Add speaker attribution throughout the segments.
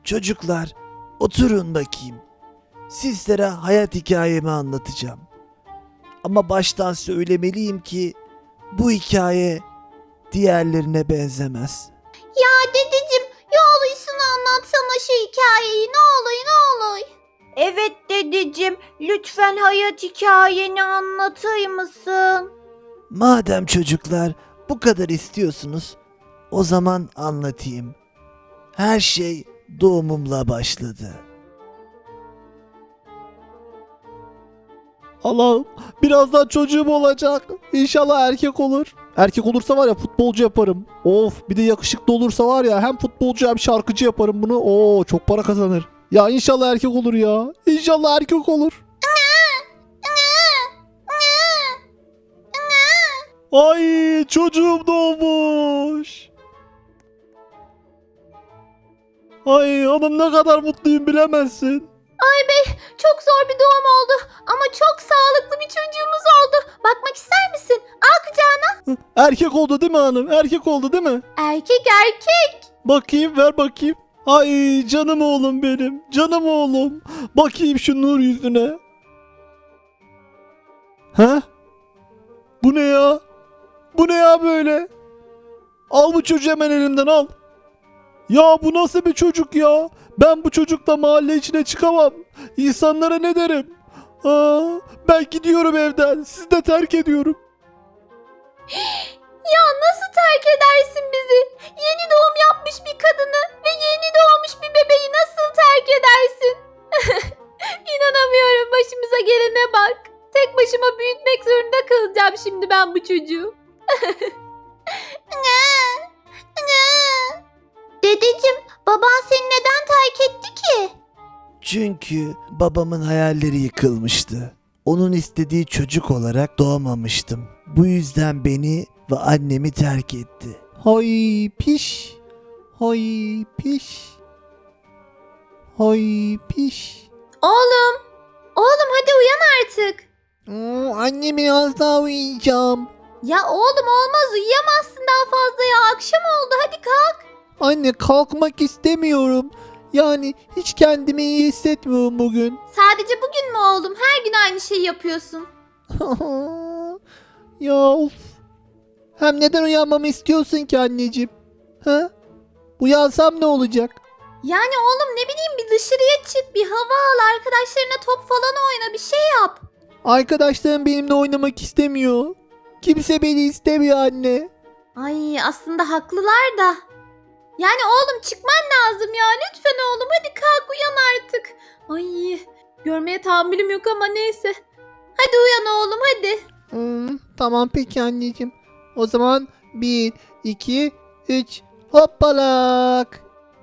Speaker 1: Çocuklar, oturun bakayım. Sizlere hayat hikayemi anlatacağım. Ama baştan söylemeliyim ki bu hikaye diğerlerine benzemez.
Speaker 2: Ya dedeciğim yoluysun anlatsana şu hikayeyi ne olur ne olur. Evet dedeciğim lütfen hayat hikayeni anlatır mısın?
Speaker 1: Madem çocuklar bu kadar istiyorsunuz, o zaman anlatayım. Her şey doğumumla başladı.
Speaker 3: Allah'ım birazdan çocuğum olacak. İnşallah erkek olur. Erkek olursa var ya futbolcu yaparım. Of bir de yakışıklı olursa var ya hem futbolcu hem şarkıcı yaparım bunu. Oo çok para kazanır. Ya inşallah erkek olur ya. İnşallah erkek olur. Ay çocuğum doğmuş. Ay hanım ne kadar mutluyum bilemezsin.
Speaker 2: Ay bey çok zor bir doğum oldu ama çok sağlıklı bir çocuğumuz oldu. Bakmak ister misin? Al kucağına.
Speaker 3: Erkek oldu değil mi hanım? Erkek oldu değil mi?
Speaker 2: Erkek erkek.
Speaker 3: Bakayım ver bakayım. Ay canım oğlum benim. Canım oğlum. Bakayım şu nur yüzüne. Ha? Bu ne ya? Bu ne ya böyle? Al bu çocuğu hemen elimden al. Ya bu nasıl bir çocuk ya? Ben bu çocukla mahalle içine çıkamam. İnsanlara ne derim? Ben gidiyorum evden. Sizi de terk ediyorum.
Speaker 2: Ya nasıl terk edersin bizi? Yeni doğum yapmış bir kadını ve yeni doğmuş bir bebeği nasıl terk edersin? İnanamıyorum başımıza gelene bak. Tek başıma büyütmek zorunda kalacağım şimdi ben bu çocuğu. Dedeciğim baban seni neden terk etti ki?
Speaker 1: Çünkü babamın hayalleri yıkılmıştı. Onun istediği çocuk olarak doğmamıştım. Bu yüzden beni ve annemi terk etti.
Speaker 3: Hay piş. Hay piş. Hay piş.
Speaker 2: Oğlum hadi uyan artık.
Speaker 3: Anne biraz daha uyuyacağım.
Speaker 2: Ya oğlum olmaz uyuyamazsın daha fazla ya akşam oldu hadi kalk.
Speaker 3: Anne kalkmak istemiyorum. Yani hiç kendimi iyi hissetmiyorum bugün.
Speaker 2: Sadece bugün mü oğlum her gün aynı şeyi yapıyorsun.
Speaker 3: Ya of. Hem neden uyanmamı istiyorsun ki anneciğim? Ha? Uyansam ne olacak?
Speaker 2: Yani oğlum ne bileyim bir dışarıya çık bir hava al arkadaşlarına top falan oyna bir şey yap.
Speaker 3: Arkadaşlarım benimle oynamak istemiyor. Kimse beni istemiyor anne.
Speaker 2: Ay aslında haklılar da. Yani oğlum çıkman lazım ya lütfen oğlum hadi kalk uyan artık. Ay görmeye tahammülüm yok ama neyse. Hadi uyan oğlum hadi.
Speaker 3: Tamam peki anneciğim. O zaman 1, 2, 3 hoppalak.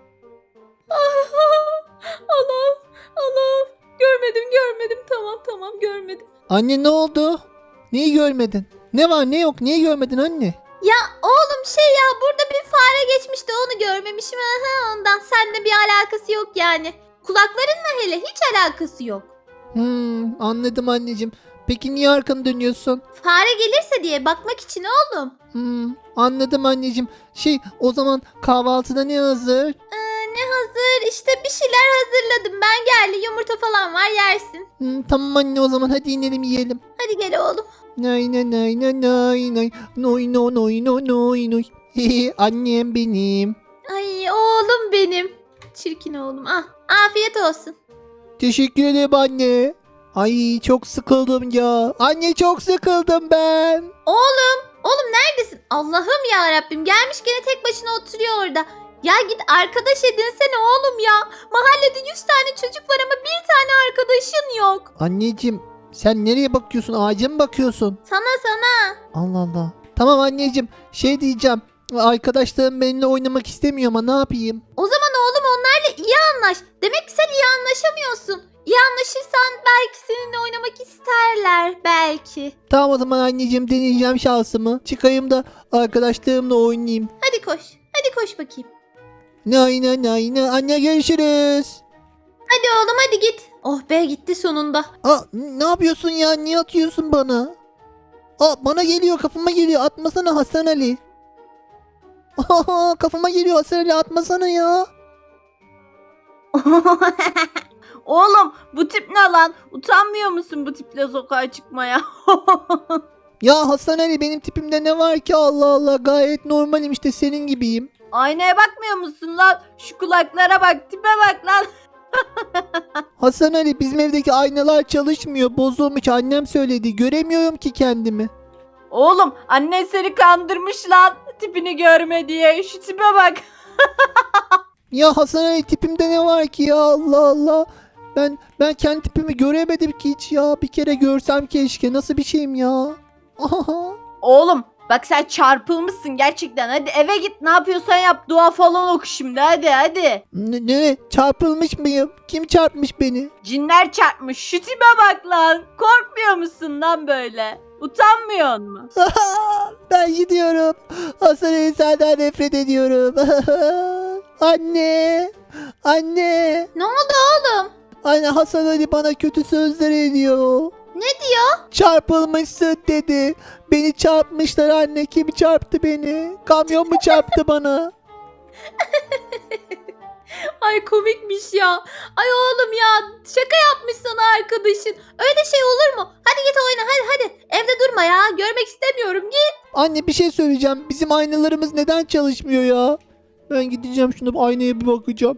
Speaker 2: Allah'ım görmedim tamam görmedim.
Speaker 3: Anne ne oldu? Neyi görmedin? Ne var ne yok neyi görmedin anne?
Speaker 2: Ya oğlum şey ya burada bir fare geçmişti onu görmemişim ondan seninle bir alakası yok yani. Kulaklarınla hele hiç alakası yok.
Speaker 3: Anladım anneciğim. Peki niye arkanı dönüyorsun?
Speaker 2: Fare gelirse diye bakmak için oğlum.
Speaker 3: Anladım anneciğim. O zaman kahvaltıda ne hazır?
Speaker 2: Ne hazır işte bir şeyler hazırladım ben geldi yumurta falan var yersin.
Speaker 3: Tamam anne o zaman hadi inelim yiyelim.
Speaker 2: Hadi gel oğlum.
Speaker 3: Nay nay nay nay nay nay noy no noy no noy noy. Annem benim.
Speaker 2: Ay oğlum benim. Çirkin oğlum afiyet olsun.
Speaker 3: Teşekkür ederim anne. Ay çok sıkıldım ya. Anne çok sıkıldım ben.
Speaker 2: Oğlum neredesin? Allah'ım ya Rabbim gelmiş gene tek başına oturuyor orada. Ya git arkadaş edinsene oğlum ya. Mahallede 100 tane çocuk var ama bir tane arkadaşın yok.
Speaker 3: Anneciğim sen nereye bakıyorsun? Ağaca mı bakıyorsun?
Speaker 2: Sana.
Speaker 3: Allah Allah. Tamam anneciğim diyeceğim. Arkadaşlarım benimle oynamak istemiyor ama ne yapayım?
Speaker 2: O zaman oğlum onlarla iyi anlaş. Demek ki sen iyi anlaşamıyorsun. İyi anlaşırsan belki seninle oynamak isterler belki.
Speaker 3: Tamam o zaman anneciğim deneyeceğim şansımı. Çıkayım da arkadaşlarımla oynayayım.
Speaker 2: Hadi koş. Hadi koş bakayım.
Speaker 3: Nay nay nay nay. Anne görüşürüz.
Speaker 2: Hadi oğlum hadi git. Oh be gitti sonunda.
Speaker 3: Ne yapıyorsun ya? Niye atıyorsun bana? Bana geliyor kafama geliyor. Atmasana Hasan Ali. Kafama geliyor Hasan Ali atmasana ya.
Speaker 4: Oğlum bu tip ne lan? Utanmıyor musun bu tiple sokağa çıkmaya?
Speaker 1: Ya Hasan Ali, benim tipimde ne var ki, Allah Allah, gayet normalim işte, senin gibiyim.
Speaker 4: Aynaya bakmıyor musun lan? Şu kulaklara bak, tipe bak lan.
Speaker 1: Hasan Ali, bizim evdeki aynalar çalışmıyor, bozulmuş, annem söyledi, göremiyorum ki kendimi.
Speaker 4: Oğlum annen seni kandırmış lan. Tipini görme diye. Şu tipe bak.
Speaker 1: Ya Hasan Ali, tipimde ne var ki ya, Allah Allah. Ben kendi tipimi göremedim ki hiç ya. Bir kere görsem keşke. Nasıl bir şeyim ya?
Speaker 4: Oğlum bak sen çarpılmışsın gerçekten. Hadi eve git, ne yapıyorsan yap. Dua falan oku şimdi, hadi.
Speaker 1: Ne? Çarpılmış mıyım? Kim çarpmış beni?
Speaker 4: Cinler çarpmış. Şu tipe bak lan. Korkmuyor musun lan böyle? Utanmıyor musun?
Speaker 1: Ben gidiyorum. Hasan Ali, senden nefret ediyorum. Anne. Anne.
Speaker 2: Ne oldu oğlum?
Speaker 1: Anne, Hasan Ali bana kötü sözler ediyor.
Speaker 2: Ne diyor?
Speaker 1: Çarpılmışsın dedi. Beni çarpmışlar anne. Kim çarptı beni? Kamyon mu çarptı bana?
Speaker 2: Ay komikmiş ya. Ay oğlum ya, şaka yapmış sana arkadaşın. Öyle şey olur mu? Hadi git oyna, hadi. Evde durma ya. Görmek istemiyorum. Git.
Speaker 1: Anne, bir şey söyleyeceğim. Bizim aynalarımız neden çalışmıyor ya? Ben gideceğim, şuna bir aynaya bir bakacağım.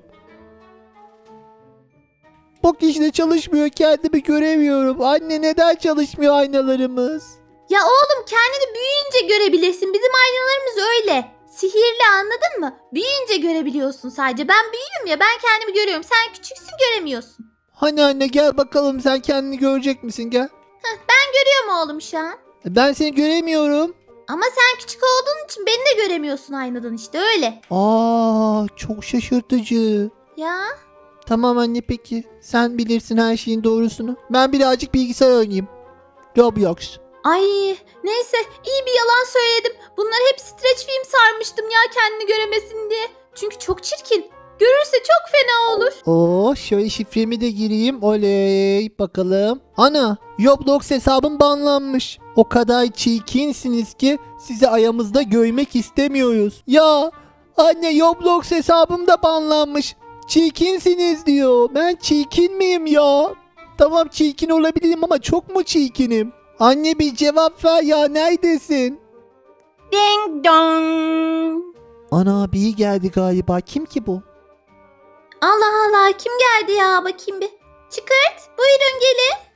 Speaker 1: Bak işte çalışmıyor. Kendimi göremiyorum. Anne, neden çalışmıyor aynalarımız?
Speaker 2: Ya oğlum, kendini büyüyünce görebilirsin. Bizim aynalarımız öyle. Sihirli, anladın mı? Büyüyünce görebiliyorsun sadece. Ben büyüğüm ya, ben kendimi görüyorum. Sen küçüksün, göremiyorsun.
Speaker 1: Hani anne, gel bakalım, sen kendini görecek misin, gel.
Speaker 2: Görüyor mu oğlum şu an?
Speaker 1: Ben seni göremiyorum.
Speaker 2: Ama sen küçük olduğun için beni de göremiyorsun aynadan, işte öyle.
Speaker 1: Çok şaşırtıcı.
Speaker 2: Ya
Speaker 1: Tamam anne, peki. Sen bilirsin her şeyin doğrusunu. Ben birazcık bilgisayar oynayayım. Roblox.
Speaker 2: ay, neyse, iyi bir yalan söyledim. Bunlar hep streç film sarmıştım ya, kendini göremesin diye. Çünkü çok çirkin. Görürse çok fena olur.
Speaker 1: Şöyle şifremi de gireyim. Oley, bakalım. Ana, Roblox hesabım banlanmış. O kadar çirkinsiniz ki sizi ayağımızda görmek istemiyoruz. Ya anne, Roblox hesabım da banlanmış. Çirkinsiniz diyor. Ben çirkin miyim ya? Tamam, çirkin olabilirim ama çok mu çirkinim? Anne, bir cevap ver ya, neredesin?
Speaker 4: Ding dong.
Speaker 1: Ana, biri geldi galiba. Kim ki bu?
Speaker 2: Allah Allah, kim geldi ya, bakayım bir. Çıkart, buyurun gelin.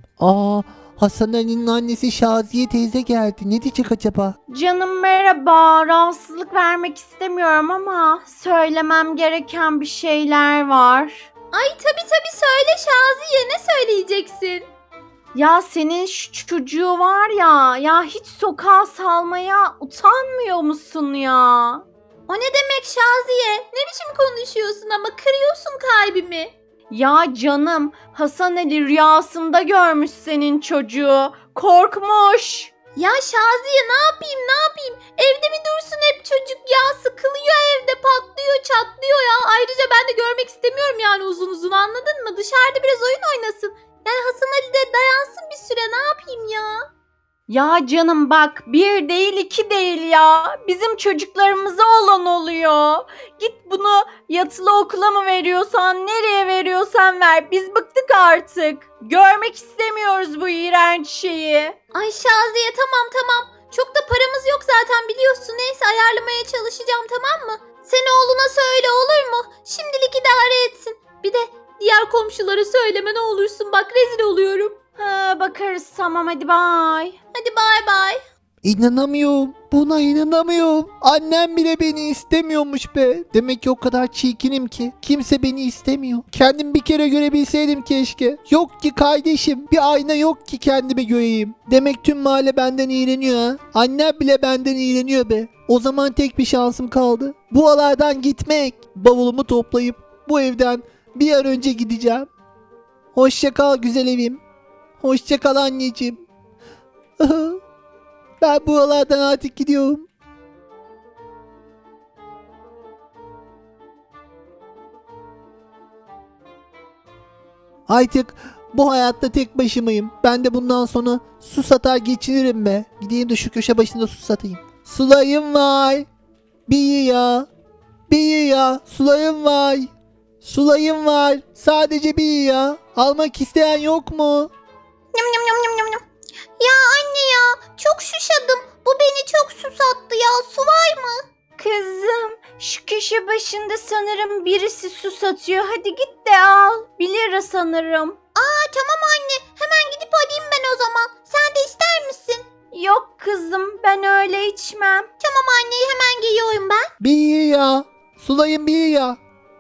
Speaker 1: Hasan Ali'nin annesi Şaziye teyze geldi. Ne diyecek acaba?
Speaker 4: Canım merhaba. Rahatsızlık vermek istemiyorum ama söylemem gereken bir şeyler var.
Speaker 2: Ay tabii söyle Şaziye, ne söyleyeceksin?
Speaker 4: Ya senin şu çocuğu var ya hiç sokağa salmaya utanmıyor musun ya?
Speaker 2: O ne demek Şaziye? Ne biçim konuşuyorsun ama, kırıyorsun kalbimi.
Speaker 4: Ya canım, Hasan Ali rüyasında görmüş senin çocuğu. Korkmuş.
Speaker 2: Ya Şaziye, ne yapayım? Evde mi dursun hep çocuk ya? Sıkılıyor evde, patlıyor, çatlıyor ya. Ayrıca ben de görmek istemiyorum yani uzun, anladın mı? Dışarıda biraz oyun oynasın. Yani Hasan Ali de dayansın bir süre, ne yapayım ya?
Speaker 4: Ya canım bak, bir değil iki değil ya. Bizim çocuklarımıza olan oluyor. Git bunu yatılı okula mı veriyorsan, nereye veriyorsan ver. Biz bıktık artık. Görmek istemiyoruz bu iğrenç şeyi.
Speaker 2: Ay Şaziye, tamam. Çok da paramız yok zaten, biliyorsun. Neyse, ayarlamaya çalışacağım, tamam mı? Sen oğluna söyle, olur mu? Şimdilik idare etsin. Bir de diğer komşulara söyleme ne olursun, bak rezil oluyorum.
Speaker 4: Ha, bakarız tamam, hadi bay.
Speaker 2: Hadi bay.
Speaker 1: İnanamıyorum. Buna inanamıyorum. Annem bile beni istemiyormuş be. Demek ki o kadar çirkinim ki kimse beni istemiyor. Kendim bir kere görebilseydim keşke. Yok ki kardeşim. Bir ayna yok ki kendimi göreyim. Demek tüm mahalle benden iğreniyor ha. Annem bile benden iğreniyor be. O zaman tek bir şansım kaldı. Bu alardan gitmek. Bavulumu toplayıp bu evden bir an önce gideceğim. Hoşça kal güzel evim. Hoşça kal anneciğim. Ben buralardan artık gidiyorum. Artık bu hayatta tek başımayım. Ben de bundan sonra su satar geçinirim be. Gideyim de şu köşe başında su satayım. Sulayım var. Bir ya. Sulayım var. Sulayım var. Sadece bir ya. Almak isteyen yok mu?
Speaker 2: Nyam nyam nyam nyam nyam nyam. Ya anne ya çok şuşadım. Bu beni çok susattı ya. Su var mı?
Speaker 4: Kızım şu köşe başında sanırım birisi su satıyor. Hadi git de al. 1 lira sanırım.
Speaker 2: Tamam anne. Hemen gidip alayım ben o zaman. Sen de ister misin?
Speaker 4: Yok kızım ben öyle içmem.
Speaker 2: Tamam anne hemen geliyorum ben.
Speaker 1: Bir ya. Sulayım bir ya.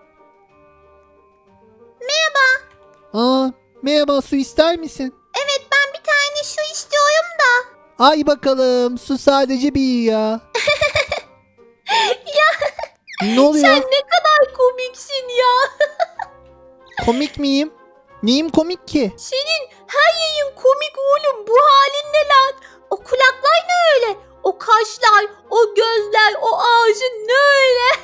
Speaker 1: Merhaba, su ister misin?
Speaker 2: Evet ben bir tane su istiyorum da.
Speaker 1: Ay bakalım, su sadece bir ya. Ne oluyor?
Speaker 2: Sen ne kadar komiksin ya.
Speaker 1: Komik miyim? Neyim komik ki?
Speaker 2: Senin her yayın komik oğlum. Bu halin ne lan? O kulaklar ne öyle? O kaşlar, o gözler, o ağzın ne öyle?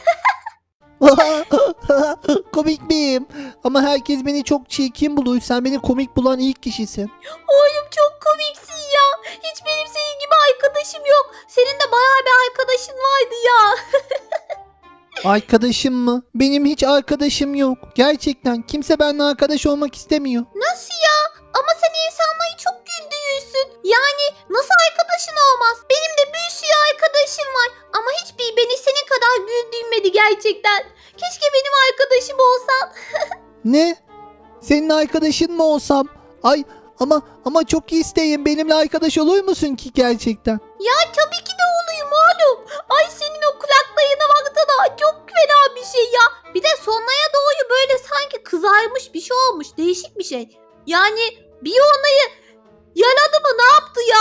Speaker 1: Komik miyim? Ama herkes beni çok çirkin buluyor. Sen beni komik bulan ilk kişisin.
Speaker 2: Oğlum çok komiksin ya. Hiç benim senin gibi arkadaşım yok. Senin de bayağı bir arkadaşın vardı ya.
Speaker 1: Arkadaşım mı? Benim hiç arkadaşım yok. Gerçekten kimse benimle arkadaş olmak istemiyor.
Speaker 2: Nasıl ya? Ama sen insanları çok güldürürsün. Yani nasıl arkadaşın olmaz? Benim de bir sürü arkadaşım var. Ama hiçbir beni senin kadar güldürmedi gerçekten. Keşke benim arkadaşım olsan.
Speaker 1: Ne? Senin arkadaşın mı olsam? Ay ama çok isteyin. Benimle arkadaş olur musun ki gerçekten?
Speaker 2: Ya tabii ki de olayım oğlum. Ay senin o kulaklarına baksana. Çok fena bir şey ya. Bir de sonraya doğru böyle sanki kızarmış bir şey olmuş. Değişik bir şey. Yani bir onayı yaladı mı ne yaptı ya?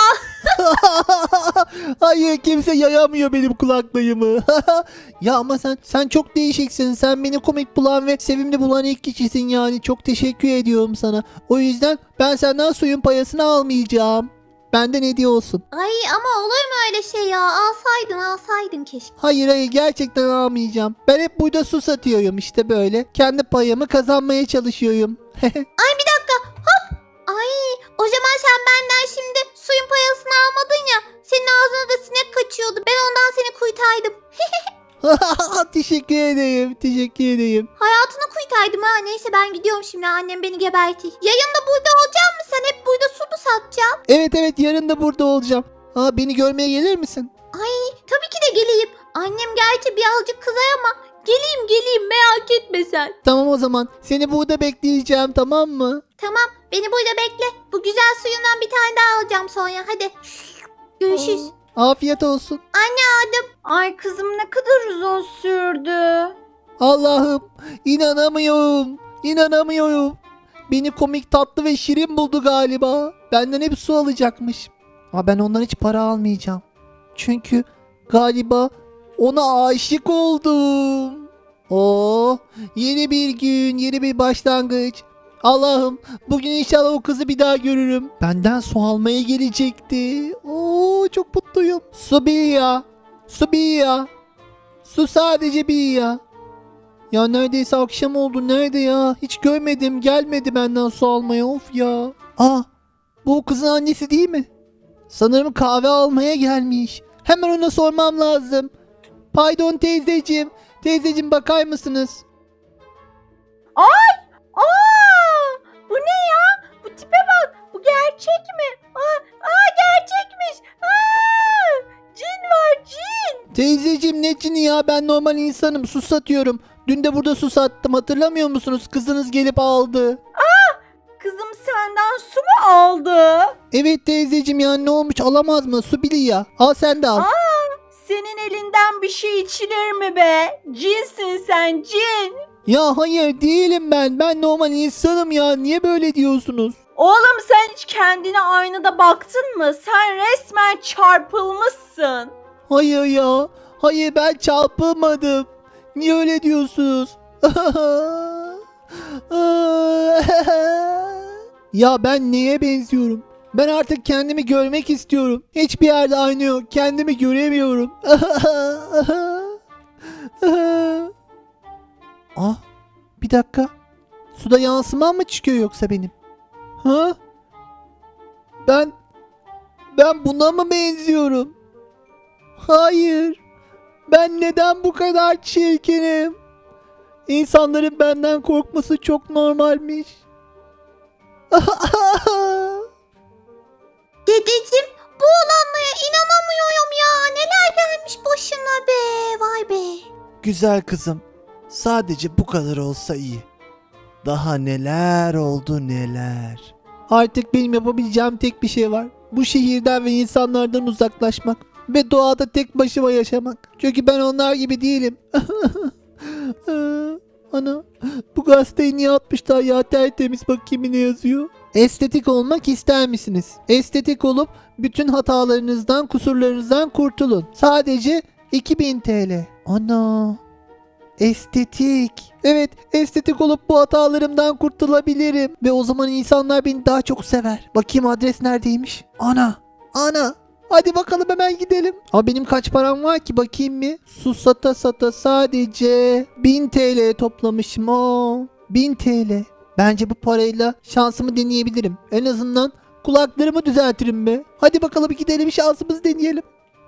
Speaker 1: Hayır, kimse yayamıyor benim kulaklığımı. Ya ama sen çok değişiksin. Sen beni komik bulan ve sevimli bulan ilk kişisin yani. Çok teşekkür ediyorum sana. O yüzden ben senden suyun payasını almayacağım. Benden hediye olsun.
Speaker 2: Ay ama olur mu öyle şey ya? Alsaydın keşke.
Speaker 1: Hayır, gerçekten almayacağım. Ben hep burada su satıyorum işte böyle. Kendi payımı kazanmaya çalışıyorum.
Speaker 2: Ay bir dakika hop. Ay o zaman sen benden şimdi suyun payasını almadın ya. Senin ağzına da sinek kaçıyordu. Ben ondan seni kurtardım.
Speaker 1: Teşekkür ederim. Teşekkür ederim.
Speaker 2: Hayatını kurtardım ha. Neyse ben gidiyorum şimdi. Annem beni gebertir. Yayında burada olacak mı? Sen hep burada su mu satacaksın?
Speaker 1: Evet, yarın da burada olacağım. Beni görmeye gelir misin?
Speaker 2: Tabii ki de geleyim. Annem gerçi birazcık kızar ama geleyim merak etme sen.
Speaker 1: Tamam o zaman. Seni burada bekleyeceğim, tamam mı?
Speaker 2: Tamam beni burada bekle. Bu güzel suyundan bir tane daha alacağım sonra. Hadi. Görüşürüz.
Speaker 1: Afiyet olsun.
Speaker 4: Ay kızım ne kadar uzun sürdü.
Speaker 1: Allah'ım, inanamıyorum. Beni komik, tatlı ve şirin buldu galiba. Benden hep su alacakmış. Ama ben ondan hiç para almayacağım. Çünkü galiba ona aşık oldum. Yeni bir gün, yeni bir başlangıç. Allah'ım, bugün inşallah o kızı bir daha görürüm. Benden su almaya gelecekti. Çok mutluyum. Su bir ya. Su sadece bir ya. Ya neredeyse akşam oldu. Nerede ya? Hiç görmedim. Gelmedi benden su almaya. Of ya. Bu o kızın annesi değil mi? Sanırım kahve almaya gelmiş. Hemen ona sormam lazım. Pardon teyzeciğim. Teyzeciğim bakar mısınız?
Speaker 4: Aa, bu ne ya? Bu tipe bak. Bu gerçek mi? Gerçekmiş. Cin var cin.
Speaker 1: Teyzeciğim ne cini ya? Ben normal insanım. Su satıyorum. Dün de burada su sattım. Hatırlamıyor musunuz? Kızınız gelip aldı.
Speaker 4: Kızım senden su mu aldı?
Speaker 1: Evet teyzeciğim ya, ne olmuş, alamaz mı? Su bili ya. Al sen de al.
Speaker 4: Senin elinden bir şey içilir mi be? Cinsin sen cin.
Speaker 1: Ya hayır değilim ben. Ben normal insanım ya. Niye böyle diyorsunuz?
Speaker 4: Oğlum sen hiç kendine aynada baktın mı? Sen resmen çarpılmışsın.
Speaker 1: Hayır ya. Hayır, ben çarpılmadım. Niye öyle diyorsunuz? Ya ben neye benziyorum? Ben artık kendimi görmek istiyorum. Hiçbir yerde aynı yok. Kendimi göremiyorum. Bir dakika. Suda yansımam mı çıkıyor yoksa benim? Ben buna mı benziyorum? Hayır. Ben neden bu kadar çirkinim? İnsanların benden korkması çok normalmiş.
Speaker 2: Dedeciğim bu olanlara inanamıyorum ya. Neler gelmiş başına be. Vay be.
Speaker 3: Güzel kızım. Sadece bu kadar olsa iyi. Daha neler oldu neler.
Speaker 1: Artık benim yapabileceğim tek bir şey var. Bu şehirden ve insanlardan uzaklaşmak. Ve doğada tek başıma yaşamak. Çünkü ben onlar gibi değilim. Ana, bu gazeteyi niye atmışlar ya? Tertemiz, bakayım ne yazıyor. Estetik olmak ister misiniz? Estetik olup bütün hatalarınızdan, kusurlarınızdan kurtulun. Sadece 2000 TL. Ana. Estetik. Evet, estetik olup bu hatalarımdan kurtulabilirim. Ve o zaman insanlar beni daha çok sever. Bakayım adres neredeymiş? Ana. Hadi bakalım hemen gidelim. Ama benim kaç param var ki bakayım mı? Su sata sata sadece 1000 TL toplamışım. 1000 TL. Bence bu parayla şansımı deneyebilirim. En azından kulaklarımı düzeltirim be. Hadi bakalım gidelim, şansımızı deneyelim.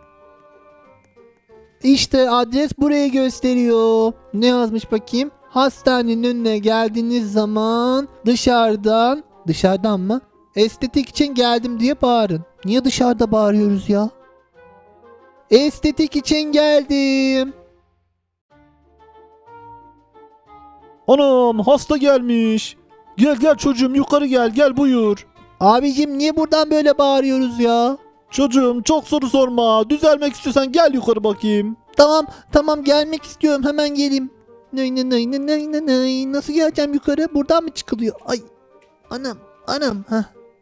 Speaker 1: İşte adres burayı gösteriyor. Ne yazmış bakayım? Hastanenin önüne geldiğiniz zaman dışarıdan mı? Estetik için geldim diye bağırın. Niye dışarıda bağırıyoruz ya? Estetik için geldim.
Speaker 3: Anam, hasta gelmiş. Gel çocuğum, yukarı gel buyur.
Speaker 1: Abicim niye buradan böyle bağırıyoruz ya?
Speaker 3: Çocuğum çok soru sorma. Düzelmek istiyorsan gel yukarı bakayım.
Speaker 1: Tamam gelmek istiyorum, hemen geleyim. Nay. Nasıl geleceğim yukarı? Buradan mı çıkılıyor? Ay anam. Heh.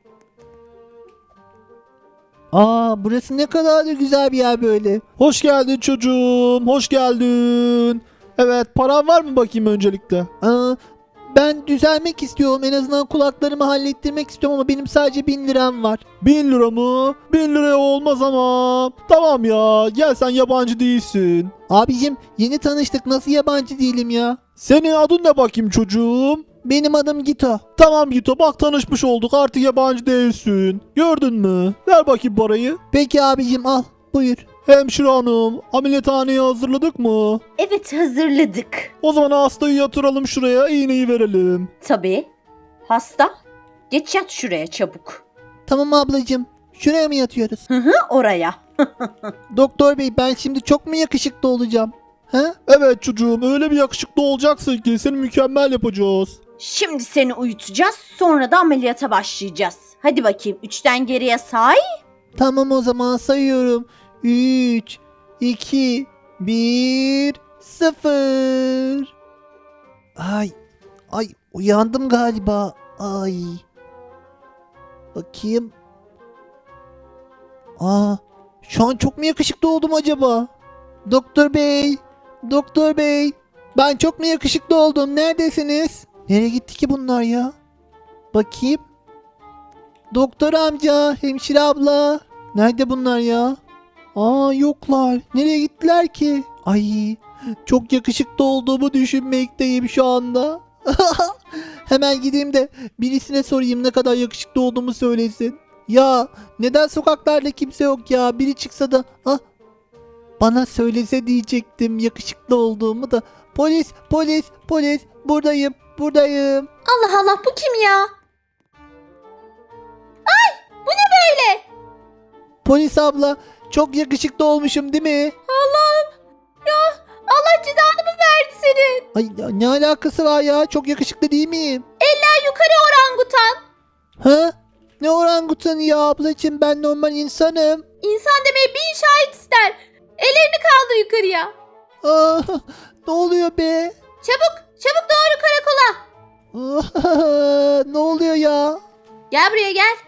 Speaker 1: Burası ne kadar da güzel bir yer böyle.
Speaker 3: Hoş geldin çocuğum, hoş geldin. Evet, paran var mı bakayım öncelikle?
Speaker 1: Ben düzelmek istiyorum. En azından kulaklarımı hallettirmek istiyorum ama benim sadece 1000 liram var.
Speaker 3: 1000 lira mı? 1000 liraya olmaz ama. Tamam ya, gel, sen yabancı değilsin.
Speaker 1: Abicim yeni tanıştık, nasıl yabancı değilim ya?
Speaker 3: Senin adın ne bakayım çocuğum?
Speaker 1: Benim adım Gito.
Speaker 3: Tamam Gito, bak tanışmış olduk, artık yabancı değilsin. Gördün mü? Ver bakayım parayı.
Speaker 1: Peki abicim, al buyur.
Speaker 3: Hemşire hanım, ameliyathaneyi hazırladık mı?
Speaker 4: Evet, hazırladık.
Speaker 3: O zaman hastayı yatıralım şuraya, iğneyi verelim.
Speaker 4: Tabii. Hasta. Geç yat şuraya çabuk.
Speaker 1: Tamam ablacım, şuraya mı yatıyoruz?
Speaker 4: Oraya.
Speaker 1: Doktor bey, ben şimdi çok mu yakışıklı olacağım? Ha?
Speaker 3: Evet çocuğum, öyle bir yakışıklı olacaksın ki seni mükemmel yapacağız.
Speaker 4: Şimdi seni uyutacağız, sonra da ameliyata başlayacağız. Hadi bakayım, 3'ten geriye say.
Speaker 1: Tamam, o zaman sayıyorum. 3, 2, 1, 0. Ay uyandım galiba. Ay. Bakayım. Şu an çok mu yakışıklı oldum acaba? Doktor bey. Ben çok mu yakışıklı oldum? Neredesiniz? Nereye gitti ki bunlar ya? Bakayım. Doktor amca, hemşire abla. Nerede bunlar ya? Yoklar. Nereye gittiler ki? Ay, çok yakışıklı olduğumu düşünmekteyim şu anda. Hemen gideyim de birisine sorayım ne kadar yakışıklı olduğumu söylesin. Ya neden sokaklarda kimse yok ya? Biri çıksa da bana söylese diyecektim yakışıklı olduğumu da. Polis buradayım.
Speaker 2: Allah Allah, bu kim ya? Ay, bu ne böyle?
Speaker 1: Polis abla, çok yakışıklı olmuşum değil mi?
Speaker 2: Allah'ım ya, Allah cezanı mı verdi senin?
Speaker 1: Ay ya, ne alakası var ya? Çok yakışıklı değil miyim?
Speaker 2: Eller yukarı orangutan.
Speaker 1: Ha? Ne orangutanı ya ablacığım, ben normal insanım.
Speaker 2: İnsan demeye 1000 şahit ister. Ellerini kaldır yukarıya.
Speaker 1: Ne oluyor be?
Speaker 2: Çabuk doğru karakola.
Speaker 1: Ne oluyor ya?
Speaker 2: Gel buraya gel.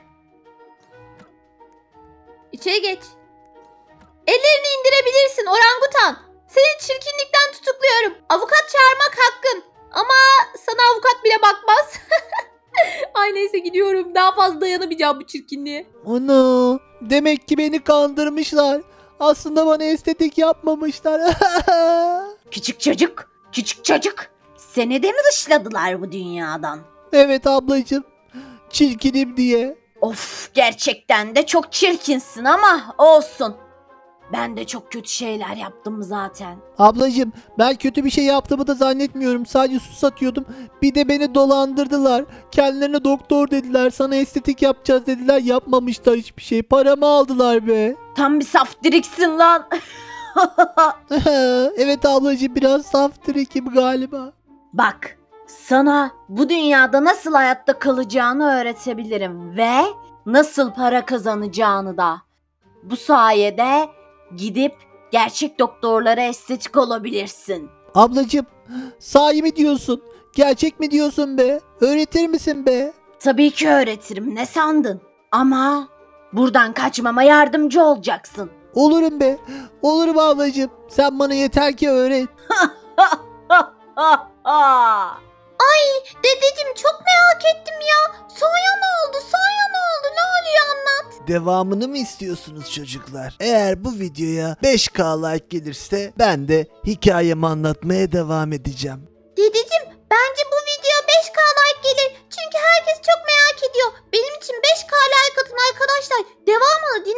Speaker 2: İçeri geç. Ellerini indirebilirsin orangutan. Seni çirkinlikten tutukluyorum. Avukat çağırmak hakkın. Ama sana avukat bile bakmaz. Ay neyse, gidiyorum. Daha fazla dayanamayacağım bu çirkinliğe.
Speaker 1: Ana, demek ki beni kandırmışlar. Aslında bana estetik yapmamışlar.
Speaker 4: Küçük çocuk. Seni de mi dışladılar bu dünyadan?
Speaker 1: Evet ablacığım. Çirkinim diye.
Speaker 4: Of, gerçekten de çok çirkinsin ama olsun. Ben de çok kötü şeyler yaptım zaten.
Speaker 1: Ablacığım ben kötü bir şey yaptığımı da zannetmiyorum. Sadece su satıyordum. Bir de beni dolandırdılar. Kendilerine doktor dediler. Sana estetik yapacağız dediler. Yapmamışlar hiçbir şey. Paramı aldılar be.
Speaker 4: Tam bir saftiriksin lan.
Speaker 1: Evet ablacığım biraz saf trikim galiba.
Speaker 4: Bak, sana bu dünyada nasıl hayatta kalacağını öğretebilirim ve nasıl para kazanacağını da. Bu sayede gidip gerçek doktorlara estetik olabilirsin.
Speaker 1: Ablacığım sahi mi diyorsun? Gerçek mi diyorsun be? Öğretir misin be?
Speaker 4: Tabii ki öğretirim, ne sandın? Ama buradan kaçmama yardımcı olacaksın.
Speaker 1: Olurum be. Olurum ablacığım. Sen bana yeter ki öğret.
Speaker 2: Dedeciğim çok merak ettim ya. Sonra ne oldu? Sonra ne oldu? Ne oluyor anlat.
Speaker 3: Devamını mı istiyorsunuz çocuklar? Eğer bu videoya 5K like gelirse ben de hikayemi anlatmaya devam edeceğim.
Speaker 2: Dedeciğim bence bu video 5K like gelir. Çünkü herkes çok merak ediyor. Benim için 5K like atın arkadaşlar. Devamını